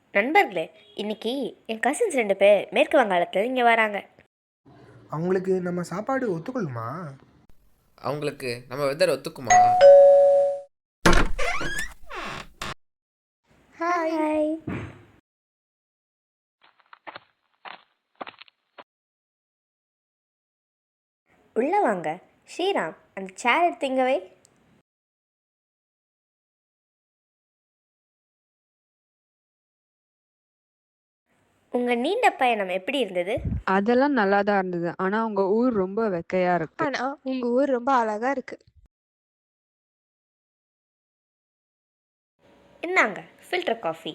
நண்பர்களே, இன்னைக்கு என் கசின்ஸ் 2 பேர் மேற்கு வங்காளத்தில் இங்கே வராங்க. அவங்களுக்கு நம்ம சாப்பாடு ஒத்துக்கொள்ளுமா? அவங்களுக்கு நம்ம வெதர் ஒத்துக்குமா? ஹாய். உள்ள வாங்க. ஸ்ரீராம், அந்த சேர் எடுத்து இங்க வை. உங்க நீண்ட பயணம் எப்படி இருந்தது? அதெல்லாம் நல்லா தான் இருந்தது. ஆனா உங்க ஊர் ரொம்ப வெக்கையா இருக்கு. ஆனா உங்க ஊர் ரொம்ப அழகா இருக்கு. இந்தாங்க ஃபில்டர் காஃபி.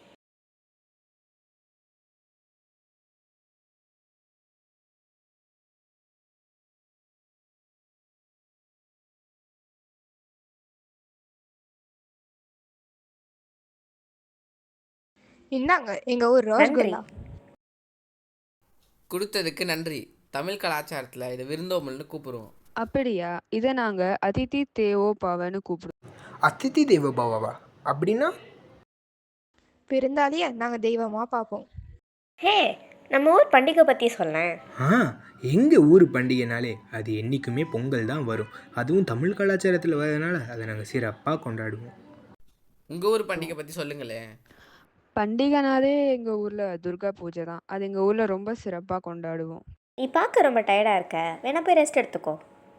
இந்தாங்க எங்க ஊர் நன்றி. ரோஸ்குல்லா. கொடுத்ததுக்கு நன்றி. தமிழ் கலாச்சாரத்தில் இதை விருந்தோம்பல்னு கூப்பிடுவோம். அப்படியா? இதை நாங்க அதிதி தேவோ பவன்னு கூப்பிடுவோம். அதிதி தேவ பவா அப்படின்னா? விருந்தாளிய நாங்க தெய்வமா பார்ப்போம். ஹே, நம்ம ஊர் பண்டிகை பற்றி சொல்லேன். எங்கள் ஊர் பண்டிகைனாலே அது என்றைக்குமே பொங்கல் தான் வரும். அதுவும் தமிழ் கலாச்சாரத்தில் வரதுனால அதை நாங்கள் சிறப்பாக கொண்டாடுவோம். உங்கள் ஊர் பண்டிகை பற்றி சொல்லுங்களேன். பண்டிகைனாலே எங்க ஊர்ல துர்கா பூஜை தான். அது எங்க ஊர்ல ரொம்ப சிறப்பா கொண்டாடுவோம். நீ பார்க்க ரொம்ப டயர்டாக இருக்க, வேணா போய் ரெஸ்ட் எடுத்துக்கோ.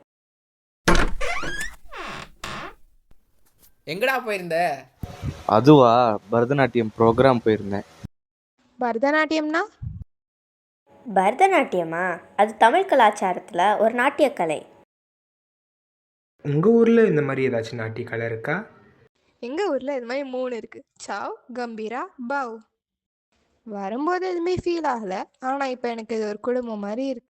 எங்கடா போயிருந்த? அதுவா, பரதநாட்டியம் ப்ரோக்ராம் போயிருந்தேன். பரதநாட்டியம்னா? பரதநாட்டியமா? அது தமிழ் கலாச்சாரத்தில் ஒரு நாட்டியக்கலை. உங்கள் ஊரில் இந்த மாதிரி ஏதாச்சும் நாட்டிய கலை இருக்கா? எங்க ஊர்ல இது மாதிரி 3 இருக்கு. சாவ், கம்பீரா, பவ். வரும்போது எதுவுமே ஃபீல் ஆகல. ஆனா இப்ப எனக்கு இது ஒரு குடும்பம் மாதிரி இருக்கு.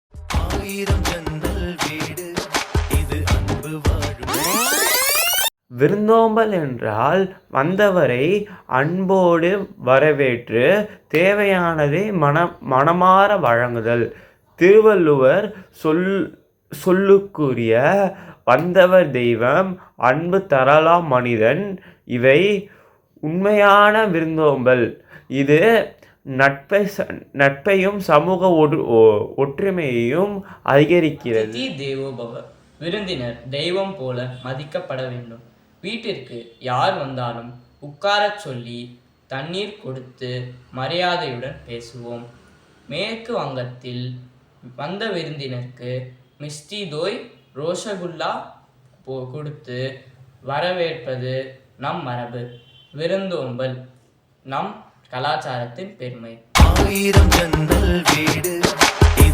விருந்தோம்பல் என்றால் வந்தவரை அன்போடு வரவேற்று தேவையானதை மனமாற வழங்குதல். திருவள்ளுவர் சொல்லுக்குரிய வந்தவர் தெய்வம், அன்பு தரலாம் மனிதன். இவை உண்மையான விருந்தோம்பல். இது நட்பையும் சமூக ஒற்றுமையையும் அதிகரிக்கிறது. அதிதி தேவோ பவ. விருந்தினர் தெய்வம் போல மதிக்கப்பட வேண்டும். வீட்டிற்கு யார் வந்தாலும் உட்காரச் சொல்லி தண்ணீர் கொடுத்து மரியாதையுடன் பேசுவோம். மேற்கு வங்கத்தில் வந்த விருந்தினருக்கு மிஸ்டி தோய், ரோஷகுல்லா கொடுத்து வரவேற்பது நம் மரபு. விருந்தோம்பல் நம் கலாச்சாரத்தின் பெருமை.